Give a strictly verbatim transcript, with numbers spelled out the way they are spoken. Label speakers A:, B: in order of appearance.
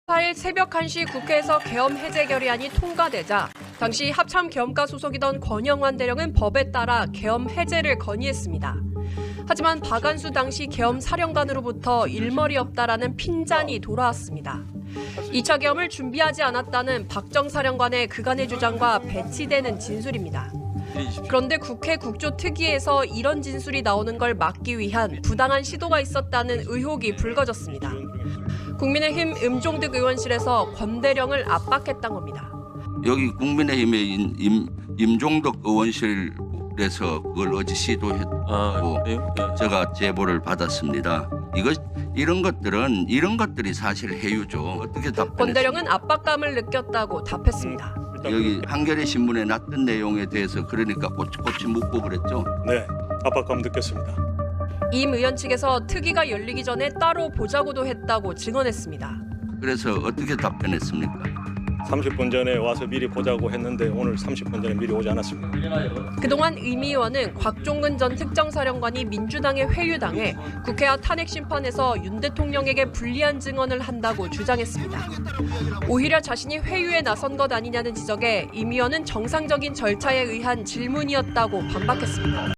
A: 사일 새벽 한 시 국회에서 계엄 해제 결의안이 통과되자 당시 합참 계엄과 소속이던 권영환 대령은 법에 따라 계엄 해제를 건의했습니다. 하지만 박안수 당시 계엄 사령관으로부터 일머리 없다라는 핀잔이 돌아왔습니다. 이 차 계엄을 준비하지 않았다는 박정 사령관의 그간의 주장과 배치되는 진술입니다. 그런데 국회 국조특위에서 이런 진술이 나오는 걸 막기 위한 부당한 시도가 있었다는 의혹이 불거졌습니다. 국민의힘 임종득 의원실에서 권 대령을 압박했던 겁니다.
B: 여기 국민의힘의 임, 임, 임종덕 의원실에서 그걸 어제 시도했고
C: 아, 네.
B: 제가 제보를 받았습니다. 이것 이런 것들은 이런 것들이 사실 해유죠. 어떻게 답변했습니까?
A: 권 대령은 압박감을 느꼈다고 답했습니다.
B: 여기 한겨레 신문에 났던 내용에 대해서 그러니까 꼬치꼬치 묻고 그랬죠.
D: 네, 압박감 느꼈습니다.
A: 임 의원 측에서 특위가 열리기 전에 따로 보자고도 했다고 증언했습니다.
B: 그래서 어떻게 답변했습니까?
D: 삼십 분 전에 와서 미리 보자고 했는데 오늘 삼십 분 전에 미리 오지 않았습니다.
A: 그동안 임 의원은 곽종근 전 특정사령관이 민주당에 회유당해 국회와 탄핵 심판에서 윤 대통령에게 불리한 증언을 한다고 주장했습니다. 오히려 자신이 회유에 나선 것 아니냐는 지적에 임 의원은 정상적인 절차에 의한 질문이었다고 반박했습니다.